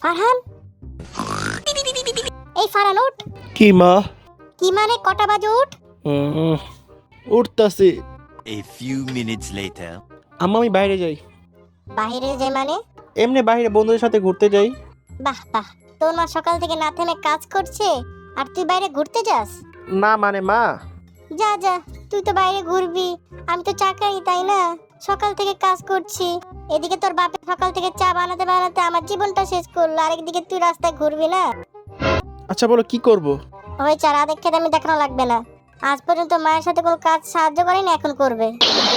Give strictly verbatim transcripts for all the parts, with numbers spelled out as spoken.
ফারহান, এই ফারহান উঠ। কি মা? কি মানে কটা বাজে উঠ? উম, উঠতাছি। A few minutes later. আম্মা আমি বাইরে যাই। বাইরে যাই মানে? এমনি বাইরে বন্ধুদের সাথে ঘুরতে যাই। বাহ বাহ, তোর মা সকাল থেকে না থেমে কাজ করছে আর তুই বাইরে ঘুরতে যাস? না মানে মা, যা যা, তুই তো বাইরে ঘুরবি, আমি তো চাকরি, তাই না? সকাল থেকে কাজ করছি, এদিকে তোর বাপে সকাল থেকে চা বানাতে বানাতে আমার জীবনটা শেষ করলো, আরেকদিকে তুই রাস্তায় ঘুরবি না? আচ্ছা বলো কি করব? ওই চারা দেখে আমি দেখানো লাগবে না, আজ পর্যন্ত মায়ের সাথে কোনো কাজ সাহায্য করেনি, এখন করবে।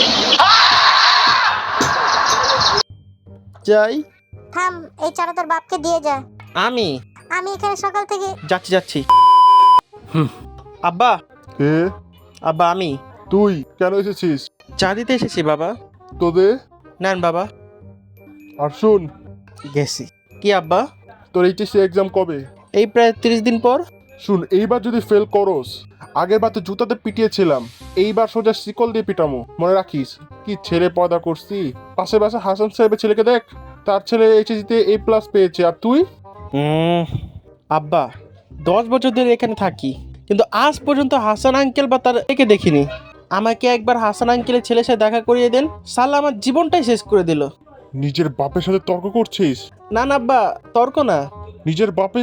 যাই। থাম, এই চারা তোর বাপকে দিয়ে যা। আমি আমি এখানে সকাল থেকে যাচ্ছি যাচ্ছি। হুম। আব্বা, কে? আব্বা আমি তুই কেন এসেছিস? চা দিতে এসেছি বাবা। তোদের নেন বাবা। আর শুন, গেছি। কি আব্বা? তোর এইচএসসি এক্সাম কবে? এই প্রায় তিরিশ দিন পর। শুন, এইবার যদি ফেল করস, আগের বার তো জুতাতে পিটিয়েছিলাম, এইবার সোজা শিকল দিয়ে পিটামো, মনে রাখিস। কি ছেলে পয়দা করছি। পাশে পাশে হাসান সাহেবের ছেলেকে দেখ, তার ছেলে এইচএসসিতে এ প্লাস পেয়েছে, আর তুই? হুম। আব্বা, দশ বছর ধরে এখানে থাকি, কিন্তু আজ পর্যন্ত হাসান আঙ্কেল বা তার একে দেখিনি। আমাকে একবার হাসান আঙ্কেলের ছেলের সাথে দেখা করিয়ে দেন, সালা আমার জীবনটাই শেষ করে দিল। নিজের বাপের সাথে তর্ক করছিস? না না আব্বা, তর্ক না। নিজের বাপের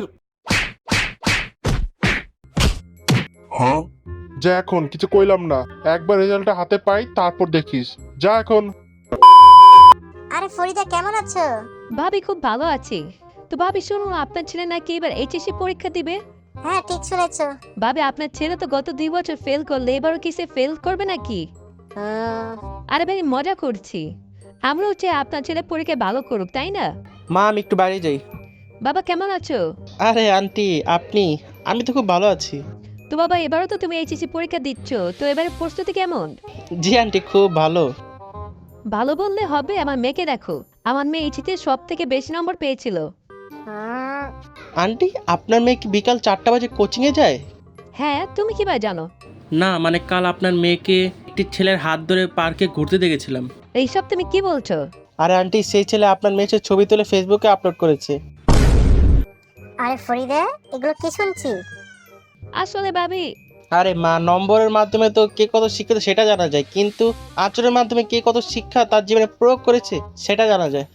হ্যাঁ, যা এখন, কিছু কইলাম না, একবার রেজাল্টটা হাতে পাই তারপর দেখিস, যা এখন। আরে ফরিদা, কেমন আছো? ভাবি খুব ভালো আছি। তো ভাবি শুনুন, আপনার ছেলে নাকি এবার এইচএসসি পরীক্ষা দিবে। হ্যাঁ, ঠিক শুনেছো। ভাবি আপনার ছেলে তো গত দুই বছর ফেল করলে, এবারও কি সে ফেল করবে নাকি? হুম, আরে ভাই মজা করছি, আমরাও চাই আপনার ছেলে পরীক্ষায় ভালো করুক, তাই না? মা আমি একটু বাইরে যাই। বাবা কেমন আছো? আরে আন্টি আপনি? আমি তো খুব ভালো আছি। তো বাবা এবারও তো তুমি এইচএসসি পরীক্ষা দিচ্ছ, তো এবারে প্রস্তুতি কেমন? জি আন্টি, খুব ভালো। ভালো বললে হবে, আমার মেয়েকে দেখো, আমার মেয়ে এইচএসসিতে সব থেকে বেশি নম্বর পেয়েছিল। হুম, আন্টি আপনার মেয়ে কি বিকাল চারটা বাজে কোচিংয়ে যায়? হ্যাঁ, তুমি কি ভাই জানো? না মানে কাল আপনার মেয়েকে একটি ছেলের হাত ধরে পার্কে ঘুরতে দেখেছিলাম। এইসব তুমি কি বলছো? আরে আন্টি, সেই ছেলে আপনার মেয়ের ছবি তুলে ফেসবুকে আপলোড করেছে। আরে ফরিদা, এগুলো কি শুনছি? আসলে ভাবি, আরে মা, নম্বরের মাধ্যমে তো কে কত শিক্ষিত সেটা জানা যায়, কিন্তু আচরণের মাধ্যমে কে কত শিক্ষা তার জীবনে প্রয়োগ করেছে সেটা জানা যায়।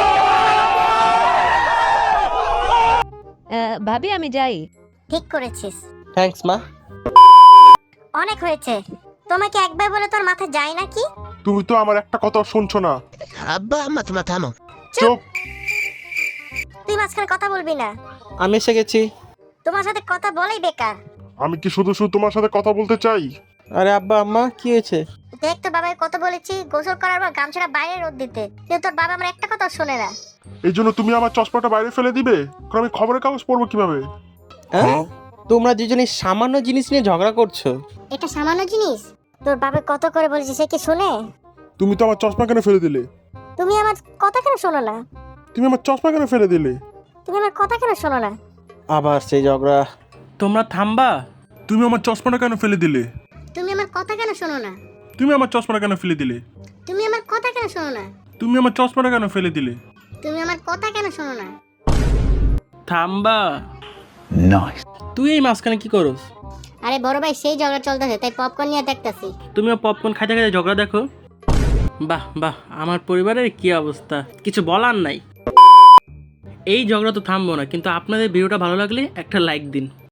আহ, ভাবি আমি যাই। ঠিক করেছিস। থ্যাঙ্কস মা। অনেক হয়েছে, তোমাকে একবার বলে তোর মাথা যায় নাকি? তুমি তো আমার একটা কথা শুনছো না। আব্বা আম্মা তোমরা থামো। চুপ। তুই মাঝখানে কথা বলবি না, আমি এসে গেছি। তোমার সাথে কথা বলেই বেকার। আমি কি শুধু শুধু তোমার সাথে কথা বলতে চাই? আরে আব্বা আম্মা কি হয়েছে? দেখ তোর বাবাকে কত বলেছি গোসল করার পর গামছাটা বাইরে রোদ দিতে, কিন্তু তোর বাবা আমার একটা কথা শোনে না। এই জন্য তুমি আমার চশমাটা বাইরে ফেলে দিবে? কারণ আমি খবরের কাগজ পড়বো কিভাবে? হ্যাঁ? তোমরা দুজনে সামান্য জিনিস নিয়ে ঝগড়া করছো। এটা সামান্য জিনিস? তোর বাবা কত করে বলেছে, সে কি শুনে? তুমি তো আমার চশমা কেন ফেলে দিলে? তুমি আমার কথা কেন শোনো না? তুমি আমার চশমা কেন ফেলে দিলে? তুমি আমার কথা কেন শোনো না? আবার সেই ঝগড়া। তোমরা থামবা? তুমি আমার চশমাটা কেন ফেলে দিলে? তুমি আমার কথা কেন শোনো না? তুমি আমার চশমাটা কেন ফেলে দিলে? তুমি আমার কথা কেন শোনো না? তুমি আমার চশমাটা কেন ফেলে দিলে? তুমি আমার কথা কেন শোনো না? থামবা? Nice. তুই এই মাঝখানে কি করস? আরে বড় ভাই, সেই ঝগড়া চলতেছে, তাই পপকর্ন নিয়ে দেখতাছি। তুমিও পপকর্ন খাইতে খাইতে ঝগড়া দেখো? বাহ বাহ, আমার পরিবারের কি অবস্থা, কিছু বলার নাই। এই ঝগড়া তো থামবো না, কিন্তু আপনাদের ভিডিওটা ভালো লাগলে একটা লাইক দিন।